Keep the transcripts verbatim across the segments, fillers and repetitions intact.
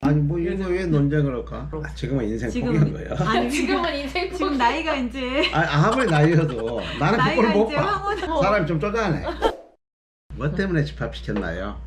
아니 뭐 이거 왜 논쟁을 할까? 아, 지금은 인생 포기한 거예요. 아니 지금은 인생 지금 포기. 나이가 이제 아, 아무리 나이여도 나는 나이가 그걸 못 이제 봐. 황혼 사람이 좀 쪼잔해. 뭐 때문에 집합시켰나요?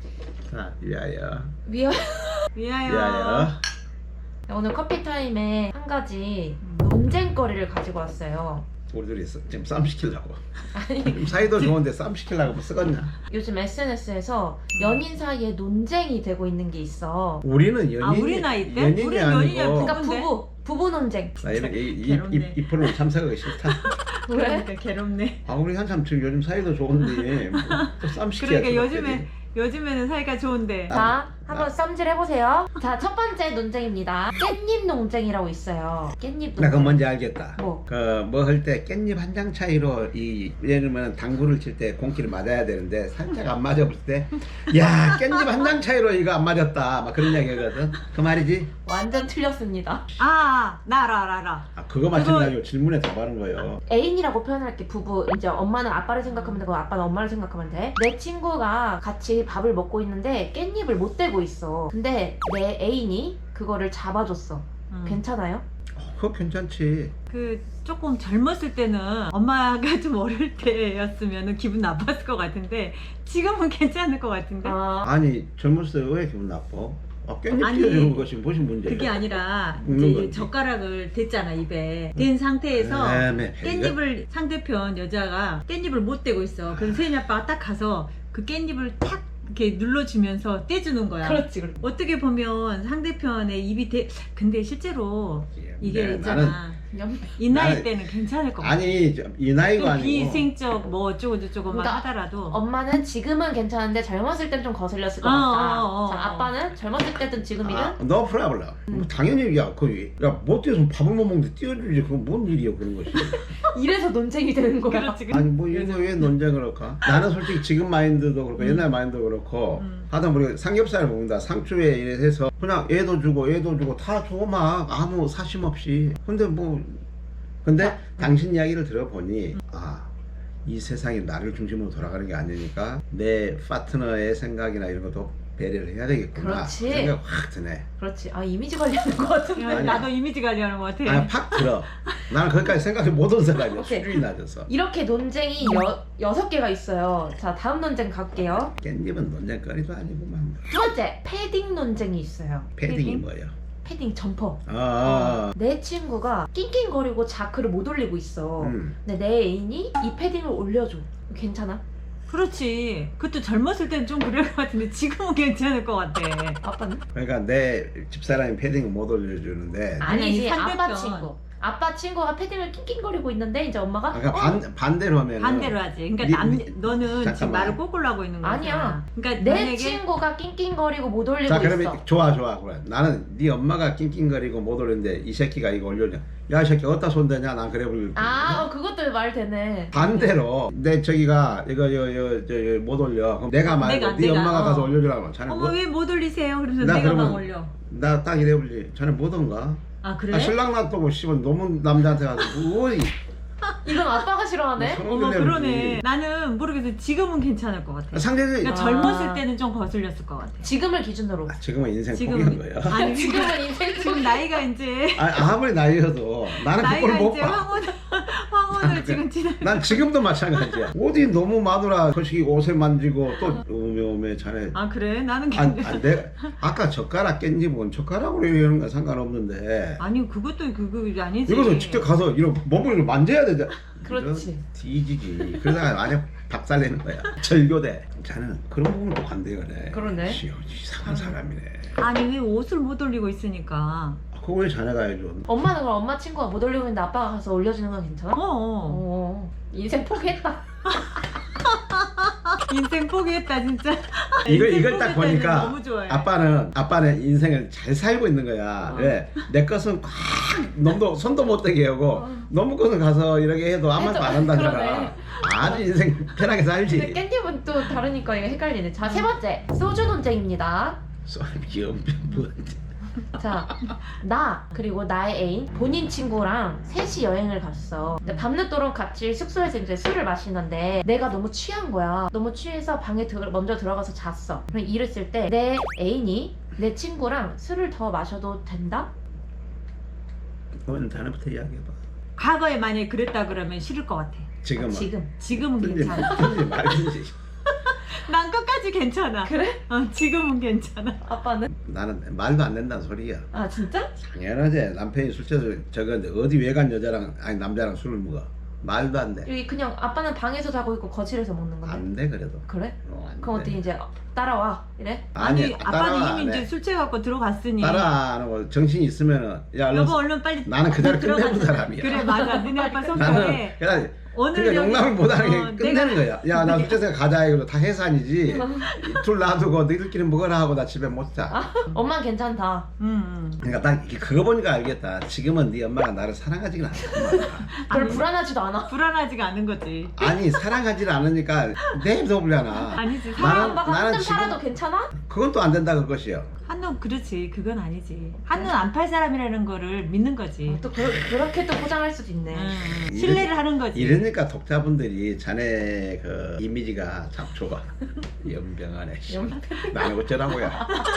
자, 위하여. 미안. 위하여. 위하여. 오늘 커피 타임에 한 가지 논쟁거리를 가지고 왔어요. 우리 둘이 쓰- 지금 싸움 시키려고. 아니 지금 사이도 좋은데 싸움 시키려고 뭐 쓰겄냐? 요즘 에스엔에스에서 연인 사이에 논쟁이 되고 있는 게 있어. 우리는 연인. 아, 우리 나이 때? 연인이 우리는 아니고. 연인이야, 그러니까 근데? 부부 부부 논쟁. 나 이런 이, 이, 이, 괴롭네. 이 프로는 참석하기 싫다. 왜? 그러니까 괴롭네. 아 우리 한참 지금 요즘 사이도 좋은데 뭐 또 싸움 시켜야 그러니까 요즘에 요즘에는 사이가 좋은데. 자, 한번 썸질 해보세요. 자, 첫 번째 논쟁입니다. 깻잎 논쟁이라고 있어요. 깻잎 논쟁. 나 그건 뭔지 알겠다. 뭐? 그 뭐 할 때 깻잎 한 장 차이로 이 예를 들면 당구를 칠 때 공기를 맞아야 되는데 살짝 안 맞아볼 때, 야 깻잎 한 장 차이로 이거 안 맞았다. 막 그런 이야기거든. 그 말이지? 완전 틀렸습니다. 아, 나 알아, 알아, 알아. 아 그거 마찬가지고 질문에 답하는 거예요. 애인이라고 표현할게. 부부. 이제 엄마는 아빠를 생각하면 되고 아빠는 엄마를 생각하면 돼. 내 친구가 같이 밥을 먹고 있는데 깻잎을 못 대고 있어. 근데 내 애인이 그거를 잡아줬어. 응. 괜찮아요? 어, 그거 괜찮지. 그 조금 젊었을 때는 엄마가 좀 어릴 때였으면 기분 나빴을 것 같은데 지금은 괜찮을 것 같은데. 아, 아니 젊었을 때 왜 기분 나빠? 아, 깻잎 아니, 띄워주는 것이 무슨 문제야? 그게 아니라 먹는 이제 거지. 젓가락을 댔잖아 입에. 댄 상태에서 애매. 깻잎을 상대편 여자가 깻잎을 못 대고 있어. 그래서 세인이 아빠가 딱 가서 그 깻잎을 탁 이렇게 눌러주면서 떼주는 거야. 그렇지, 그렇지. 어떻게 보면 상대편의 입이 대. 근데 실제로 이게 네, 있잖아. 연- 이 나이 나는- 때는 괜찮을 것 같아. 아니 저- 이 나이가 또 아니고. 비생적 뭐 어쩌고 저쩌고 막 그러니까 하더라도. 엄마는 지금은 괜찮은데 젊었을 땐 좀 거슬렸을 것 어, 같다. 어, 어, 어. 자, 아빠는 젊었을 때든 지금이든 아, no problem. 음. 뭐 당연히 야, 그, 야, 못 뛰어서 밥을 못 먹는데 띄워주지. 그건 뭔 일이야, 그런 것이. 이래서 논쟁이 되는 거야. 그렇지. 아니, 뭐, 이거 왜 논쟁을 할까? 나는 솔직히 지금 마인드도 그렇고, 음. 옛날 마인드도 그렇고, 음. 하다 우리가 삼겹살을 먹는다. 상추에 이래서 그냥 얘도 주고, 얘도 주고, 다 줘, 막. 아무 사심 없이. 근데 뭐, 근데 당신 이야기를 들어보니, 아, 이 세상이 나를 중심으로 돌아가는 게 아니니까, 내 파트너의 생각이나 이런 것도 배려를 해야 되겠구나. 그렇지. 그 생각 확 드네. 그렇지. 아, 이미지 관리하는 것 같은데. 야, 나도 이미지 관리하는 것 같아. 아니 팍 들어. 나는 거기까지 생각이 못한 사람이야. 오케이. 수준이 낮아서. 이렇게 논쟁이 여, 여섯 개가 있어요. 자, 다음 논쟁 갈게요. 깻잎은 논쟁거리도 아니구만. 두 번째, 패딩 논쟁이 있어요. 패딩이 패딩? 뭐예요? 패딩 점퍼. 아, 아, 내 친구가 낑낑거리고 자크를 못 올리고 있어. 아. 음. 근데 내 애인이 이 패딩을 올려줘. 괜찮아? 그렇지. 그것도 젊었을 때는 좀 그럴 것 같은데 지금은 괜찮을 것 같아. 아빠는? 그러니까 내 집사람이 패딩을 못 올려주는데. 아니지, 아니, 아빠 상대편. 친구. 아빠 친구가 패딩을 낑낑거리고 있는데 이제 엄마가 그러니까 어? 반 반대로 하면. 반대로 하지. 그러니까 니- 남, 니- 너는 지금 잠깐만. 말을 꼬꾸로 하고 있는 거야. 아니야. 그러니까 내 만약에 친구가 낑낑거리고 못 올리고 자 그러면 있어. 좋아 좋아 그래. 나는 네 엄마가 낑낑거리고 못 올리는데 이 새끼가 이거 올려줘. 야 이 새끼 어디다 손대냐? 난 그래 부를. 아, 어, 그것도 말 되네. 반대로 내 저기가 이거 여여저못 올려. 그럼 내가 말고 내가, 네 내가, 엄마가 어. 가서 올려주라고. 자네 어머 뭐? 왜 못 올리세요? 그래서 나 내가 막 그러면- 올려. 나 딱 이래 볼지. 자네 뭐던가? 아 그래? 아, 신랑 놔두고 씨발 너무 남자한테 가서 뭐 이건 아빠가 싫어하네. 뭐 어머 성질내지. 그러네. 나는 모르겠어. 지금은 괜찮을 것 같아. 상대는 그러니까 아. 젊었을 때는 좀 거슬렸을 것 같아. 지금을 기준으로. 아, 지금은 인생 지금 포기한 거예요. 아니 지금은 인생 지금 나이가 이제 아, 아무리 나이여도 나는 나이가 그걸 못 이제 봐. 황혼 황혼을 지금 지나. 난 지금도 마찬가지야. 어디 너무 마누라 거시기 옷에 만지고 또 오메 오메 자네. 아 그래? 나는 아, 괜찮. 아, 내가 아까 젓가락 깻잎은 젓가락으로 이러는 건 상관없는데 아니 그것도 그거 아니지. 이것은 직접 가서 이런 몸을 이렇게 만져야 되잖아. 그렇지. 뒤지지. 그러다가 만약 박살내는 거야. 절교대. 자네는 그런 부분도 관대하네. 그러네. 씨, 이상한 사람이네. 아니 왜 옷을 못 올리고 있으니까. 아, 그거 왜 자네가 해줘? 엄마는 그럼 엄마 친구가 못 올리고 있는데 아빠가 가서 올려주는 건 괜찮아? 어. 어. 어. 인생 포기했다. 인생 포기했다 진짜. 이걸 인생 이걸 딱 포기했다니 보니까 너무 좋아해. 아빠는 아빠는 인생을 잘 살고 있는 거야. 어. 왜? 내 것은 꽉 놈도 손도 못 대게 하고 어. 너무 것은 가서 이렇게 해도 아무 말도 안 한다잖아. 그러네. 아주 인생 편하게 근데 살지. 깻잎은 또 다르니까 이거 헷갈리네. 자, 세 번째. 소주 논쟁입니다. 연병 뭐. 자, 나 그리고 나의 애인 본인 친구랑 셋이 여행을 갔어. 근데 밤늦도록 같이 숙소에서 이제 술을 마시는데 내가 너무 취한 거야. 너무 취해서 방에 들, 먼저 들어가서 잤어. 그럼 일했을 때 내 애인이 내 친구랑 술을 더 마셔도 된다? 그건 자네부터 이야기해봐. 과거에 만약에 그랬다 그러면 싫을 것 같아. 지금은. 지금. 지금은 든지 괜찮아. 든지 말든지. 난 끝까지 괜찮아. 그래? 어, 지금은 괜찮아. 아빠는? 나는 말도 안 된다는 소리야. 아 진짜? 당연하지. 남편이 술 취해서 저거 어디 외간 여자랑 아니 남자랑 술을 먹어. 말도 안 돼. 여기 그냥 아빠는 방에서 자고 있고 거실에서 먹는 건데. 안 돼 그래도. 그래? 어, 안 그럼 돼. 어떻게 이제 따라와 이래? 아니, 아니, 아빠는 따라와 이미 안 이제 해. 술 취해갖고 들어갔으니. 따라 안 하고 정신이 있으면은 야 얼른 여보 얼른 빨리. 나는 그 자리 들어가자. 끝내는 사람이야. 그래 맞아. 너네 아빠 나는 성격에 그냥 오늘 그러니까 여기- 용납을 못하는 게 어, 끝내는 내가- 거야. 야 나 술자리에 가자 이거 다 해산이지. 둘 놔두고 너희들끼리 먹어라 하고 나 집에 못 자. 아, 엄마는 괜찮다. 음, 음. 그러니까 딱 이렇게 그거 보니까 알겠다. 지금은 네 엄마가 나를 사랑하지는 않구만. 별 아니. 불안하지도 않아. 불안하지가 않은 거지. 아니 사랑하지를 않으니까 내버려나. 아니지. 나는- 사람 아빠가 나는 한눈 지금- 팔아도 괜찮아? 그건 또 안 된다 그것이요. 한눈 그렇지. 그건 아니지. 한눈 안 팔 사람이라는 거를 믿는 거지. 또 그, 그렇게 또 포장할 수도 있네. 음, 이래- 신뢰를 하는 거지. 이러니까 독자분들이 자네 그 이미지가 참 좋아. 연병하네. 씨. 연- 나는 어쩌라고요.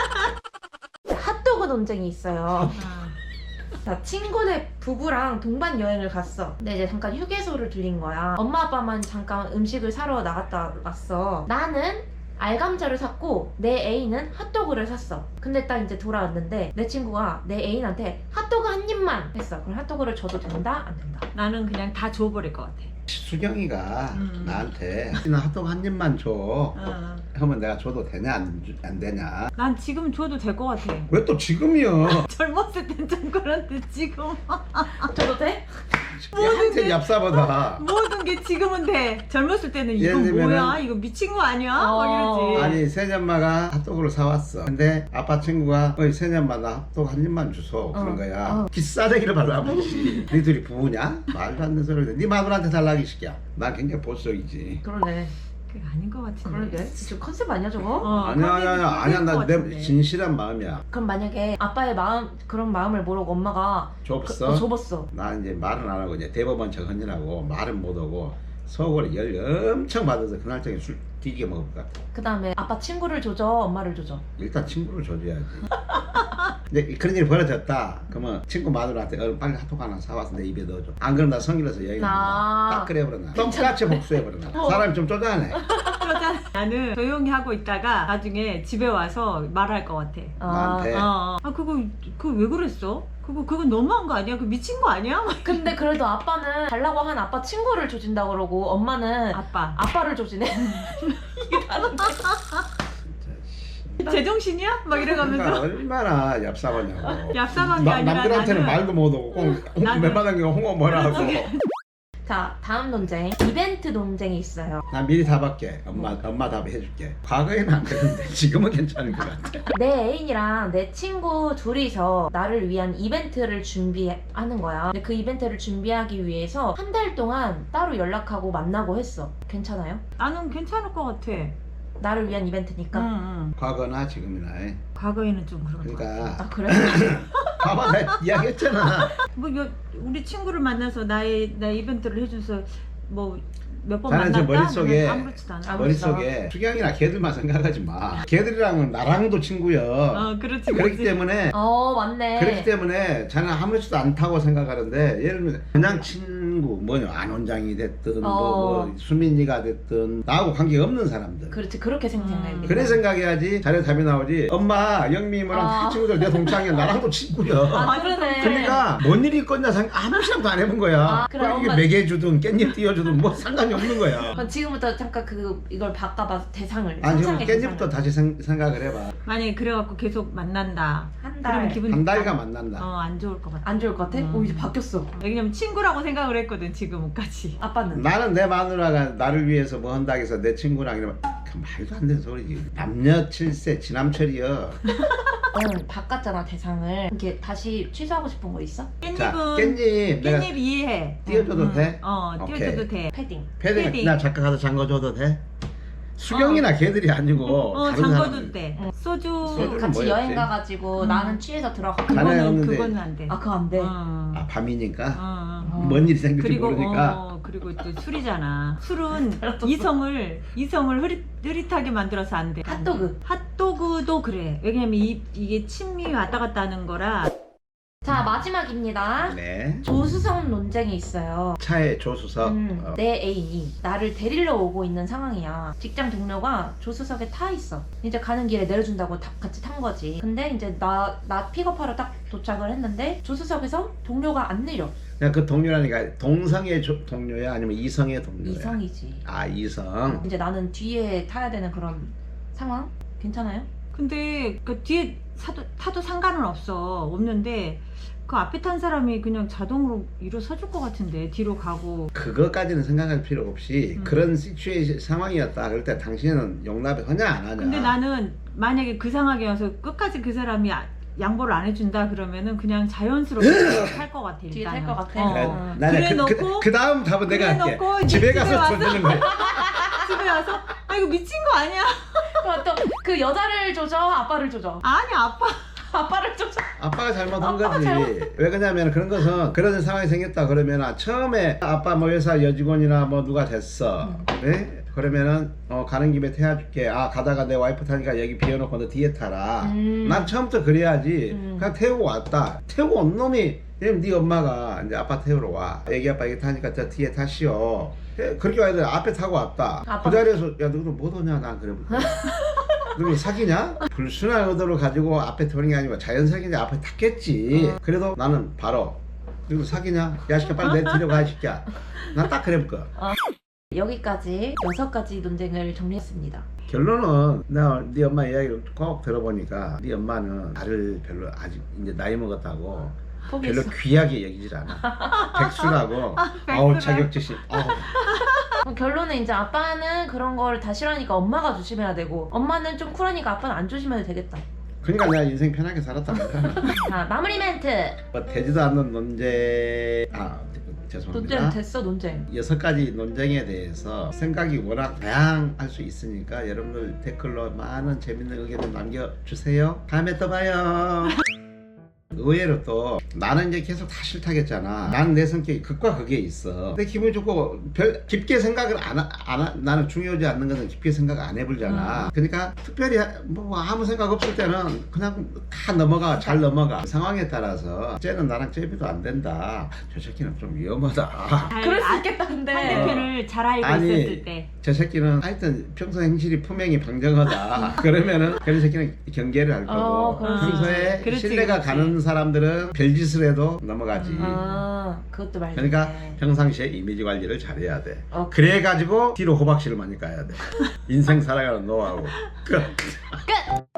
핫도그 논쟁이 있어요. 아, 자, 친구네 부부랑 동반 여행을 갔어. 근데 이제 잠깐 휴게소를 들린 거야. 엄마 아빠만 잠깐 음식을 사러 나갔다 왔어. 나는 알감자를 샀고 내 애인은 핫도그를 샀어. 근데 딱 이제 돌아왔는데 내 친구가 내 애인한테 핫도그 한 입만 했어. 그럼 핫도그를 줘도 된다? 안 된다? 나는 그냥 다 줘버릴 것 같아. 수경이가 음. 나한테 나 핫도그 한 입만 줘. 어. 하면 내가 줘도 되냐 안, 주- 안 되냐. 난 지금 줘도 될 것 같아. 왜 또 지금이요? 젊었을 땐 좀 그런데 지금 줘도 돼? 한테 얍사보다. 모든 게 지금은 돼. 젊었을 때는 이거 예를 들면은- 뭐야? 이거 미친 거 아니야? 어. 막 이러지. 아니 새년마가 핫도그를 사왔어. 근데 아빠 친구가 어이 새년마 나 핫도그 한 입만 주소 그런 어, 거야. 어. 기싸대기를 발라보지. 니들이 부부냐? 말도 안 되는 소리를 해. 네 마누라한테 달라기 시켜. 난 굉장히 보수적이지. 그러네. 그게 아닌 것 같은데. 그러게. 지금 컨셉 아니야 저거? 어, 아니야 아니야 아니야 아니야 컨셉이 나 컨셉인 것 내 같은데. 진실한 마음이야. 그럼 만약에 아빠의 마음 그런 마음을 모르고 엄마가 좁어? 어, 접었어. 나 이제 말은 안 하고 이제 대법원 정헌이라고 말은 못 하고 속으로 열 엄청 받아서 그날 저녁에 술 뒤지게 먹을 것 같아. 그 다음에 아빠 친구를 조져, 엄마를 조져. 일단 친구를 줘줘야지. 근데 그런 일이 벌어졌다. 그러면 친구 마누라한테 얼른 빨리 핫도그 하나 사와서 내 입에 넣어줘. 안 그러면 나 성질나서 여행 아. 딱 그래버렸나. 똑같이 복수해버렸나. 어. 사람이 좀 쪼잔해. 그러잖아. 나는 조용히 하고 있다가 나중에 집에 와서 말할 것 같아. 아, 나한테. 어, 아 그거 그거 왜 그랬어? 그거 그건 너무한 거 아니야? 그 미친 거 아니야? 막 근데 그래도 아빠는 달라고 한 아빠 친구를 조진다 그러고 엄마는 아빠 아빠를 조지네. 이게 다른데. 진짜, 씨. 제정신이야? 막 그러니까 이래가면서 얼마나 얍삽하냐고. 얍삽한 게 나- 아니라 남들한테는 나는- 말도 못하고 꼭 나는- 웬만한 게 홍어 뭐라 하고. 자, 다음 논쟁. 이벤트 논쟁이 있어요. 난 미리 답할게. 엄마 엄마 답해줄게. 과거에는 안 그랬는데 지금은 괜찮은 것 같아. 내 애인이랑 내 친구 둘이서 나를 위한 이벤트를 준비하는 거야. 근데 그 이벤트를 준비하기 위해서 한 달 동안 따로 연락하고 만나고 했어. 괜찮아요? 나는 괜찮을 것 같아. 나를 위한 이벤트니까. 응, 응. 과거나 지금이나. 과거에는 좀 그런 것 같아. 그러니까 아 그래? 봐봐 나 이야기했잖아. 뭐 여- 우리 친구를 만나서 나의 나 이벤트를 해줘서 뭐 몇 번 나는 만났다? 지금 머릿속에- 나는 아무렇지도 않아. 아, 머릿속에 수경이나 걔들만 생각하지 마. 걔들이랑은 나랑도 친구여. 어, 그렇지, 그렇기 그렇지. 때문에 어 맞네. 그렇기 때문에 자는 아무렇지도 않다고 생각하는데 예를 들면 그냥 친구 뭐냐 안원장이 됐든 어. 뭐, 뭐 수민이가 됐든 나하고 관계 없는 사람들. 그렇지 그렇게 생각해. 음. 그래 생각해야지 자네 답이 나오지. 엄마 영미 뭐랑 다 아. 친구들 내 동창이야. 나랑도 친구야. 아 그러네. 그러니까 뭔 일이 있겠냐 생각 아무 생각도 안 해본 거야. 아, 그래, 뭐 이게 엄마- 먹여주든 깻잎 띄워주든 뭐 상관이 없는 거야. 그럼 지금부터 잠깐 그 이걸 바꿔봐 대상을. 아니 지금 상상의 깻잎부터 대상을. 다시 생, 생각을 해봐. 만약에 그래갖고 계속 만난다. 한 그러면 달. 기분이 한 달간 만난다. 어, 안 좋을 것 같아. 안 좋을 것 같아? 음. 오 이제 바뀌었어. 왜냐면 친구라고 생각을 했거든 지금까지. 아빠는? 나는 내 마누라가 나를 위해서 뭐 한다고 해서 내 친구랑 이러면 그 말도 안 되는 소리지. 남녀 칠세 지남철이여. 응 바꿨잖아 대상을. 이렇게 다시 취소하고 싶은 거 있어? 자 깻잎은 깻잎 내가 깻잎 이해해. 띄워줘도 응, 돼? 어, 오케이. 띄워줘도 돼. 패딩. 패딩 패딩. 나 잠깐 가서 잠궈줘도 돼? 수경이나 걔들이 아니고 어, 다른 잠궈도 사람들. 돼. 응. 소주. 소주는 같이 뭐였지? 여행 가가지고 음. 나는 취해서 들어가. 자네 그거는 없는데. 그거는 안 돼. 아 그거 안 돼. 어. 아 밤이니까? 어, 어. 뭔 일이 생길지 그리고 모르니까. 어, 그리고 또 술이잖아. 술은 이성을 이성을 흐릿, 흐릿하게 만들어서 안 돼. 핫도그. 핫도그도 그래. 왜냐면 이, 이게 침이 왔다 갔다 하는 거라. 자, 마지막입니다. 네. 조수석 논쟁이 있어요. 차에 조수석. 음, 어. 내 애인이 나를 데리러 오고 있는 상황이야. 직장 동료가 조수석에 타 있어. 이제 가는 길에 내려준다고 다 같이 탄 거지. 근데 이제 나, 나 픽업하러 딱 도착을 했는데 조수석에서 동료가 안 내려. 그냥 그 동료라니까 동성의 조, 동료야 아니면 이성의 동료야? 이성이지. 아 이성. 이제 나는 뒤에 타야 되는 그런 상황? 괜찮아요? 근데 그 뒤에 사도, 타도 상관은 없어. 없는데 그 앞에 탄 사람이 그냥 자동으로 일어서줄 것 같은데 뒤로 가고. 그것까지는 생각할 필요 없이 음. 그런 시츄에이션 상황이었다. 그럴 때 당신은 용납을 하냐 안 하냐. 근데 나는 만약에 그 상황에 와서 끝까지 그 사람이 아- 양보를 안 해준다 그러면은 그냥 자연스럽게 탈 것 같아. 뒤에 일단은. 탈것 같아? 어. 그래, 어. 나는 그래 그, 놓고- 그, 그 다음 답은 그래 내가 할게. 놓고 이제 집에 집에 가서 와서- 던지는 거야. 집에 와서 아 이거 미친 거 아니야? 또 그 여자를 조져, 아빠를 조져. 아니 아빠. 아빠를 조져. 아빠가 잘못한 아빠가 거지. 잘못- 왜 그러냐면 그런 것은 그런 상황이 생겼다 그러면 처음에 아빠 뭐 회사 여직원이나 뭐 누가 됐어. 음. 네? 그러면은 어, 가는 김에 태워줄게. 아 가다가 내 와이프 타니까 여기 비워놓고 너 뒤에 타라. 음. 난 처음부터 그래야지. 음. 그냥 태우고 왔다. 태우고 온 놈이 그럼 네 엄마가 이제 아빠 태우러 와. 애기 아빠 여기 타니까 저 뒤에 타시오. 예, 그렇게 와야 돼. 앞에 타고 왔다. 아빠- 그 자리에서 야 너도 못 오냐? 난 그래. 그리고 사귀냐? 불순한 의도를 가지고 앞에 태우는 게 아니고 자연스럽게 이제 앞에 탔겠지. 어. 그래도 나는 바로 그리고 사귀냐? 야 시켜 빨리 내 뒤로 가 시켜. 난 딱 그래 볼 거야. 여기까지 여섯 가지 논쟁을 정리했습니다. 결론은 내가 네 엄마 이야기를 꼭 들어보니까 네 엄마는 나를 별로 아직 이제 나이 먹었다고 별로 포기했어. 귀하게 여기질 않아. 백수라고. 아우 자격지심. 아우. 그럼 결론은 이제 아빠는 그런 걸 다 싫어하니까 엄마가 조심해야 되고, 엄마는 좀 쿨하니까 아빠는 안 조심해도 되겠다. 그러니까 내가 인생 편하게 살았다니까. 자, 마무리 멘트. 뭐 되지도 않는 논쟁. 아 죄송합니다. 논쟁 됐어, 논쟁. 여섯 가지 논쟁에 대해서 생각이 워낙 다양할 수 있으니까 여러분들 댓글로 많은 재밌는 의견을 남겨주세요. 다음에 또 봐요. 의외로 또 나는 이제 계속 다 싫다겠잖아. 나는 내 성격이 극과 극에 있어. 근데 기분이 좋고 별 깊게 생각을 안, 하, 안 하, 나는 중요하지 않는 것은 깊게 생각 안 해보잖아. 그러니까 특별히 뭐 아무 생각 없을 때는 그냥 다 넘어가. 잘 넘어가. 상황에 따라서 쟤는 나랑 잽이도 안 된다. 저 새끼는 좀 위험하다. 잘 그럴 수 아- 있겠다, 근데. 상대편을 잘 알고 아니, 있었을 때. 저 새끼는 하여튼 평소 행실이 품행이 방정하다. 그러면은 그런 새끼는 경계를 할 거고 어, 그럴 수 평소에 있지. 그렇지, 신뢰가 그렇지. 가는 사람들은 별짓을 해도 넘어가지. 음. 아, 그것도 말이네. 그러니까 평상시에 이미지 관리를 잘해야 돼. 어. 그래가지고 뒤로 호박씨를 많이 까야 돼. 인생 살아가는 노하우. 끝. 끝!